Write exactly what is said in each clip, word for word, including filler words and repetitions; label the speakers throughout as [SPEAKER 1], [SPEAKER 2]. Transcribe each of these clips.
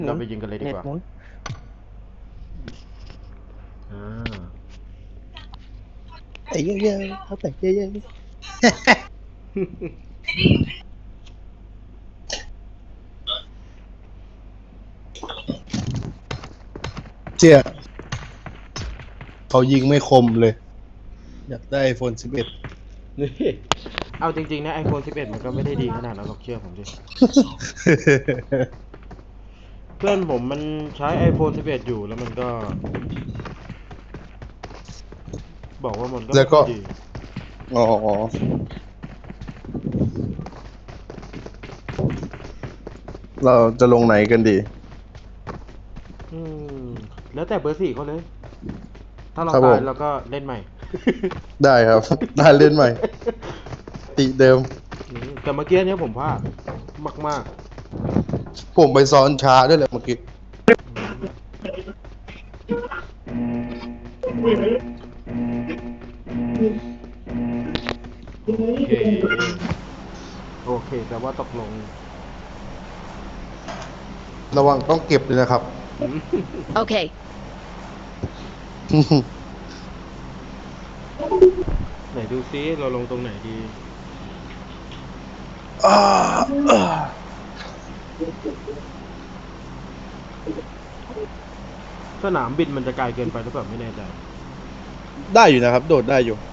[SPEAKER 1] เราไปยิงกันเลยดี
[SPEAKER 2] เน็ต
[SPEAKER 1] กว่า
[SPEAKER 2] หมุน
[SPEAKER 1] อ่า
[SPEAKER 2] ไอ้เยอะๆเขาแต่เยอะๆเจี๊ยเขายิงไม่คมเลย อยากได้ไอโฟนสิบเอ็ด
[SPEAKER 1] นี่เอาจริงๆนะไอโฟนสิบเอ็ดมันก็ไม่ได้ดีขนาดนั้นหรอกเชื่อผมดิ เพื่อนผมมันใช้ ไอโฟนสิบเอ็ด อยู่แล้วมันก็ บอกว่ามันก็
[SPEAKER 2] แล้วก็
[SPEAKER 1] ไม่ค่อยดี
[SPEAKER 2] อ๋อเราจะลงไหนกันดี
[SPEAKER 1] อืมแล้วแต่เบอร์สี่เขาเลย ถ้าเรา
[SPEAKER 2] ครับผม
[SPEAKER 1] ตายเราก็เล่นใหม่
[SPEAKER 2] ได้ครับ ได้เล่นใหม่ ติเดิม
[SPEAKER 1] อืมแต่เมื่อกี้เนี้ยผมพลาดมาก
[SPEAKER 2] ผมไปซ้อนช้าด้วยแหละเมื่อกี้
[SPEAKER 1] ๆ โอเค โอเคแต่ว่าตกลง
[SPEAKER 2] ระวังต้องเก็บเลยนะครับ
[SPEAKER 1] อืม
[SPEAKER 3] Okay.
[SPEAKER 1] ไหนดูซิเราลงตรงไหนดี
[SPEAKER 2] อ่าอ่า
[SPEAKER 1] สนามบินมันจะไกลเกินไปหรือเปล่าไม่แน่ใจ
[SPEAKER 2] ได้อยู่นะครับ โดดได้อยู่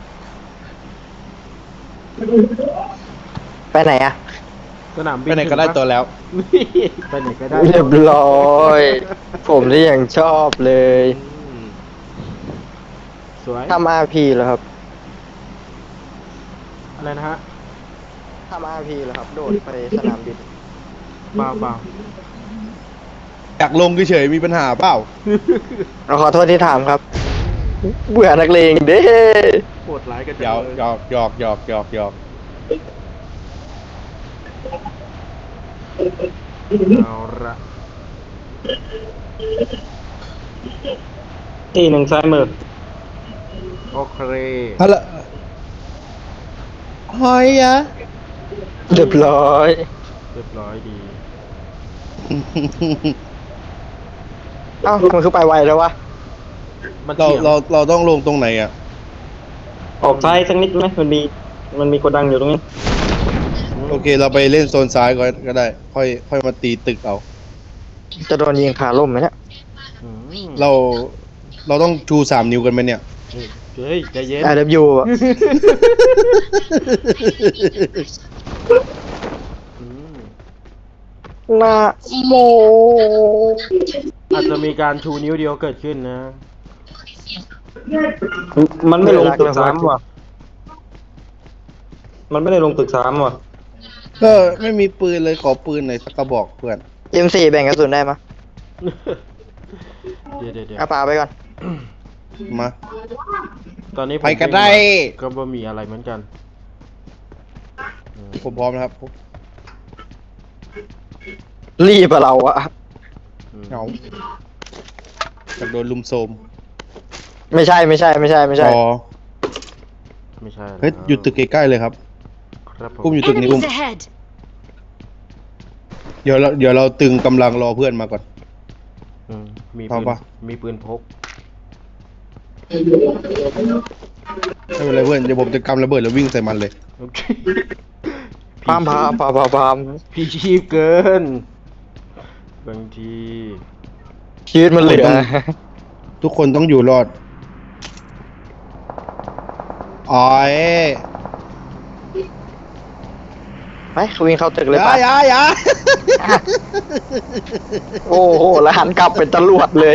[SPEAKER 4] ไปไหนอะ
[SPEAKER 1] สนามบิ
[SPEAKER 2] ไป
[SPEAKER 1] น
[SPEAKER 2] ไหนก็ได้
[SPEAKER 1] ถึงปะ
[SPEAKER 2] ตัวแล้ว
[SPEAKER 1] นี่ไปไหนก็ได้
[SPEAKER 4] เรียบร้อย ผมนี่ยังชอบเลย
[SPEAKER 1] อืมสวย
[SPEAKER 4] ทำอาร์พีเหรอครับ
[SPEAKER 1] อะไรนะฮะ
[SPEAKER 4] ทำอาร์พีเหรอครับ โดดไปสนามบิน
[SPEAKER 1] เปล่าเปล่า
[SPEAKER 2] อยากลงเฉยๆมีปัญหาเปล่า
[SPEAKER 4] เราขอโทษที่ถามครับ เบื่อนักเลงเด้
[SPEAKER 1] โหดร้ายกัน
[SPEAKER 2] หยอก
[SPEAKER 1] เลย
[SPEAKER 2] หยอกหยอกหยอกหยอกหยอก
[SPEAKER 1] เอาละ
[SPEAKER 4] ที่หนึ่งซ้ายมือ
[SPEAKER 1] โอเค
[SPEAKER 2] ฮัลโหลฮอยอะ
[SPEAKER 4] เรียบร้อย
[SPEAKER 1] เรียบร้อยดี
[SPEAKER 4] เอ้ามันคือไปไวแล้ววะ
[SPEAKER 1] มัน
[SPEAKER 2] เรา
[SPEAKER 1] เถียง
[SPEAKER 2] เราเราต้องลงตรงไหนอ่ะ
[SPEAKER 4] ออกซ้ายสักนิดไหมมันมี มันมีโกดังอยู่ตรงนี้
[SPEAKER 2] โอเค เราไปเล่นโซนซ้ายก่อนก็ได้ ค่อยค่อยมาตีตึกเอา
[SPEAKER 4] จะโดนยิงขาล่มไหมเนี่ย
[SPEAKER 1] อืม
[SPEAKER 2] เราเราต้องชูสามนิ้วกันไหมเนี่ย
[SPEAKER 1] เฮ้ยใจเย็น
[SPEAKER 4] ไอ ดับเบิลยู อะ
[SPEAKER 1] อืม
[SPEAKER 4] นะโม
[SPEAKER 1] อาจจะมีการชูนิ้วเดียวเกิดขึ้นนะ
[SPEAKER 4] มันไม่ลงตึกสามว่ะ มันไม่ได้ลงตึกสามว่ะ
[SPEAKER 2] ก็ไม่มีปืนเลยขอปืนหน่อยสักกระบอกเพื่อน
[SPEAKER 4] เอ็มสี่แบ่งกระสุนได้ไหมย
[SPEAKER 1] เดี๋ยวเดี๋ยวเดี๋ยว
[SPEAKER 4] เอาปลาไปก่อน
[SPEAKER 2] มา
[SPEAKER 1] ตอนนี้ผม
[SPEAKER 2] ไปกันได้
[SPEAKER 1] ก็บ่มีอะไรเหมือนกันอืม
[SPEAKER 2] ผมพร้อมนะครับ
[SPEAKER 4] รีบอะเราอะ
[SPEAKER 1] อืม
[SPEAKER 2] เหงาอยากโดนลุมโซม
[SPEAKER 4] ไม่ใช่ไม่ใช่ไม่ใช่ไม่ใช่
[SPEAKER 2] อ๋อ
[SPEAKER 1] ไม่ใช่
[SPEAKER 2] เฮ้ยอยู่ตึกใกล้ๆเลยครับ
[SPEAKER 1] ครับผม
[SPEAKER 2] อุ้มอยู่ตึกนี้อุ้ม
[SPEAKER 3] Enemies ahead.
[SPEAKER 2] เดี๋ยวเราเดี๋ยวเราตึงกำลังรอเพื่อนมาก่อน
[SPEAKER 1] อืมมี
[SPEAKER 2] พร้
[SPEAKER 1] ปื
[SPEAKER 2] อม
[SPEAKER 1] น
[SPEAKER 2] ปะ
[SPEAKER 1] มีปืนพก
[SPEAKER 2] ไม่เป็นไรเพื่อนเดี๋ยวผมจะกำระเบิดแล้ววิ่งใส่มันเลย
[SPEAKER 1] โอเค
[SPEAKER 4] พามพามพามพามพาม
[SPEAKER 1] พี่ชีพเกิน บางที
[SPEAKER 4] ชีวิตมันเหลือ
[SPEAKER 2] ทุกคนต้องอยู่รอดอ๋อย
[SPEAKER 4] ไปวิ่งเข้าตึก
[SPEAKER 2] อ
[SPEAKER 4] เลย
[SPEAKER 2] ย่า
[SPEAKER 4] ไป
[SPEAKER 2] อย่าอย่า
[SPEAKER 4] โอ้โหแล้วหันกลับเป็นตำรวจเลย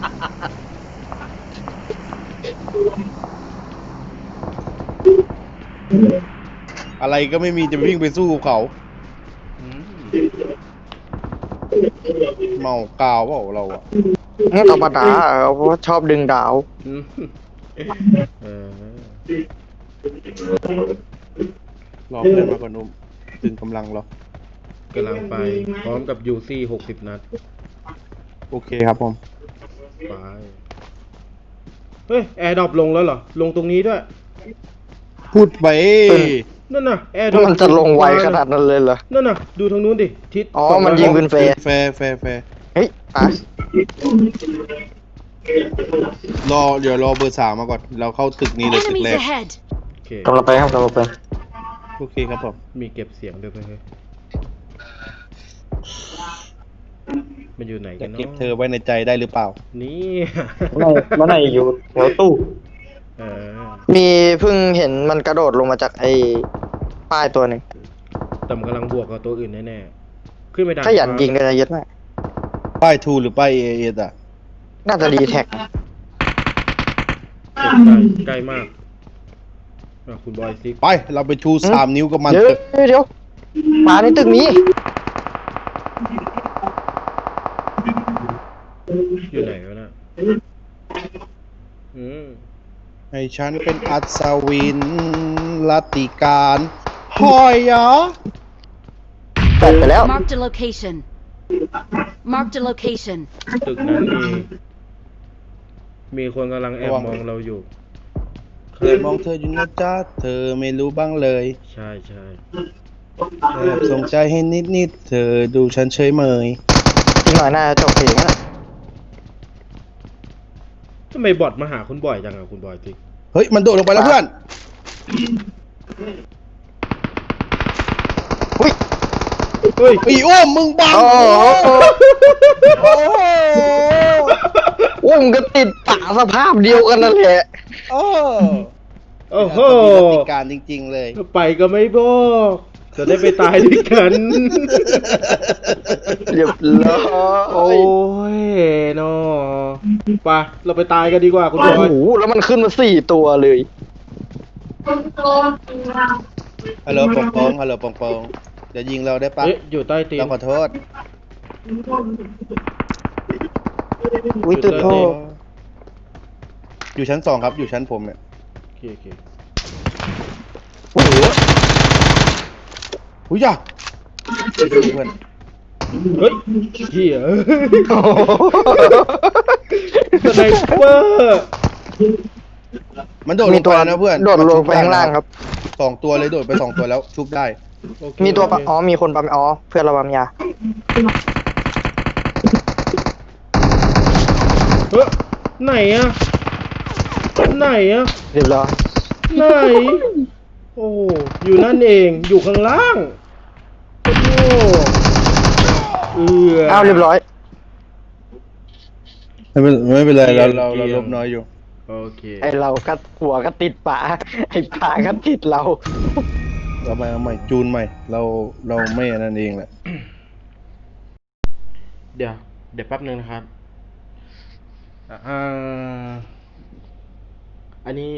[SPEAKER 2] อะไรก็ไม่มีจะวิ่งไปสู้กับเขา
[SPEAKER 1] อืม
[SPEAKER 2] เมากาวเปล่าเราอะ
[SPEAKER 4] ธรรมดาเพราะว่าชอบดึงดาว
[SPEAKER 1] อืมเออ
[SPEAKER 2] รอเพื่อนมาก่อนนุ่มตึงกำลังรอก
[SPEAKER 1] ำลังไป พร้อมกับยูซี่หกสิบนัด
[SPEAKER 2] โอเคครับผม
[SPEAKER 1] ไป เฮ้ย แอร์ดรอปลงแล้วเหรอ ลงตรงนี้ด้วย
[SPEAKER 2] พูดไป
[SPEAKER 1] นั่นน่ะ แอร์ดรอป
[SPEAKER 4] มันจะลงไวขนาดนั้นเลยเหรอ
[SPEAKER 1] นั่นน่ะ ดูทางนู้นดิ ทิศ
[SPEAKER 4] อ๋อ
[SPEAKER 1] สงร้ย
[SPEAKER 4] มันยิงปืน แฟร์
[SPEAKER 2] แฟร์แฟร์แฟร์
[SPEAKER 4] เฮ้ยป๋าร
[SPEAKER 2] อเดี๋ยวรอเบอร์สามมาก่อน เราเข้าตึกนี้เลยตึก
[SPEAKER 3] Enemies
[SPEAKER 2] แรก
[SPEAKER 3] ahead!
[SPEAKER 1] โอเค
[SPEAKER 4] กำลังไปครับกำลังไป
[SPEAKER 2] โอเคครับผม
[SPEAKER 1] มีเก็บเสียงด้วยไหมเฮ้ยมันอยู่ไหนกั
[SPEAKER 2] จะ
[SPEAKER 1] นเนาะ
[SPEAKER 2] เก็บเธอไว้ในใจได้หรือเปล่า
[SPEAKER 1] นี่
[SPEAKER 4] ไม่ไม่ไหนอยู่แถวตู้
[SPEAKER 1] เออ
[SPEAKER 4] มีเพิ่งเห็นมันกระโดดลงมาจากไอ้ป้ายตัวหนึ่ง
[SPEAKER 1] แต่มันกำลังบวกกับตัวอื่นแน่ๆ ขึ้นไปดัง
[SPEAKER 4] ขยันยิงเลยนะเยอะมาก
[SPEAKER 2] ป้ายทูหรือป้ายเอเอสอ่ะ
[SPEAKER 4] น่าจะดีแท็ก
[SPEAKER 1] เก็บใกล้ใกล้มากอ่ะคุณบอยซิก
[SPEAKER 2] ไป เราไปชูสามนิ้วกับมัน
[SPEAKER 4] เดี๋ยว
[SPEAKER 2] เถอะ
[SPEAKER 4] เดี๋ยวมาในตึกนี้
[SPEAKER 1] อยู่ไหนวะน่ะอืม
[SPEAKER 2] ให้ฉันเป็นอัศวินลัตติการหอยเหรอ
[SPEAKER 4] แปดไปแล้ว
[SPEAKER 3] Marked a location. Marked a location.
[SPEAKER 1] ตึกนั้นมี มีคนกำลังแอบมองเราอยู่
[SPEAKER 2] เคยมองเธออยู่นะจ๊ะ เธอไม่รู้บ้างเลย
[SPEAKER 1] ใช่ใช่
[SPEAKER 2] แอบสงใจให้นิดๆ เธอดูฉันเฉยเมย
[SPEAKER 4] อีกหน่อยน่าจะจบเพลงแล้วนะ
[SPEAKER 1] ทำไมบอทมาหาคุณบอยจังอ่ะคุณบอยซิก
[SPEAKER 2] เฮ้ย มันโดดลงไปแล้วเพื่อน
[SPEAKER 4] อุ้ย
[SPEAKER 1] เฮ้ย
[SPEAKER 2] อีอ้วมมึงบัง
[SPEAKER 4] โอ้โหโอ้โหโอ้ยมันก็ติดปากสภาพเดียวกันนั่นแหละ
[SPEAKER 2] โอ้
[SPEAKER 1] โอ้โห
[SPEAKER 2] มีลัตติการจริง ๆ เลย
[SPEAKER 1] ไปก็ไม่บอกจะได้ไปตายด้วยกัน
[SPEAKER 4] เรียบร้อ
[SPEAKER 1] โอ้
[SPEAKER 4] ย
[SPEAKER 1] ยเนาะไปเราไปตายกันดีกว่าคุณบ
[SPEAKER 4] โอ้
[SPEAKER 1] อย
[SPEAKER 4] โหแล้วมันขึ้นมาสี่ตัวเลย
[SPEAKER 2] ฮัลโหลปองปองฮัลโหลปองปองเดี๋ยวยิงเราได้ปะ
[SPEAKER 1] เอ๊ะอยู่ใต้ตีน
[SPEAKER 2] เราขอโทษ
[SPEAKER 4] อุ้ยตึกโทษ
[SPEAKER 2] อยู่ชั้นสองครับ อยู่ชั้นผมเนี่ย
[SPEAKER 1] โอเคโอเค
[SPEAKER 2] โอ้โหอุ้ยอย่าเพื่อน
[SPEAKER 1] เฮ้ยเหี้ยสไนเปอร์
[SPEAKER 2] มันโดดล
[SPEAKER 4] มี
[SPEAKER 2] ง
[SPEAKER 4] ตั
[SPEAKER 2] ไป
[SPEAKER 4] ว
[SPEAKER 2] แล้วนะเพื่อน
[SPEAKER 4] โดดลงไปข้างล่างครับ
[SPEAKER 2] สองตัวเลยโดดไปสองตัวแล้วชุบได้
[SPEAKER 1] โอเค
[SPEAKER 4] มีตัวปะ
[SPEAKER 1] โอเค
[SPEAKER 4] อ๋อมีคนปั๊มอ๋อเพื่อนเราปั๊มยา
[SPEAKER 1] เฮ้ยไหนอะไหนอะ
[SPEAKER 4] เรียบร้อย
[SPEAKER 1] ไหน โอ้อยู่นั่นเอง อยู่ข้างล่าง โอ้เอือ
[SPEAKER 4] อ้าวเรียบร้อย
[SPEAKER 2] ไม่เป็นไม่เป็นไรเราเรา
[SPEAKER 1] เกรี
[SPEAKER 2] เรา
[SPEAKER 1] ยง
[SPEAKER 2] ลบน้อยอยู่
[SPEAKER 1] โอเค
[SPEAKER 4] ไอเราก็หัวก็ติดป่าไอป่าก็ติดเรา
[SPEAKER 2] เรามาเอาใหม่จูนใหม่ เราเราไม่อันนั้นเองแหละ
[SPEAKER 1] เดี๋ยว เดี๋ยวแป๊บนึงนะครับอ่าอันนี้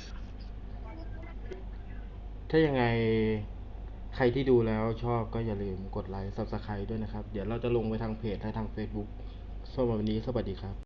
[SPEAKER 1] ถ้ายังไง ใครที่ดูแล้วชอบก็อย่าลืมกดไลค์ ซับสไครต์ด้วยนะครับ เดี๋ยวเราจะลงไปทางเพจและทาง Facebook สำหรับวันนี้สวัสดีครับ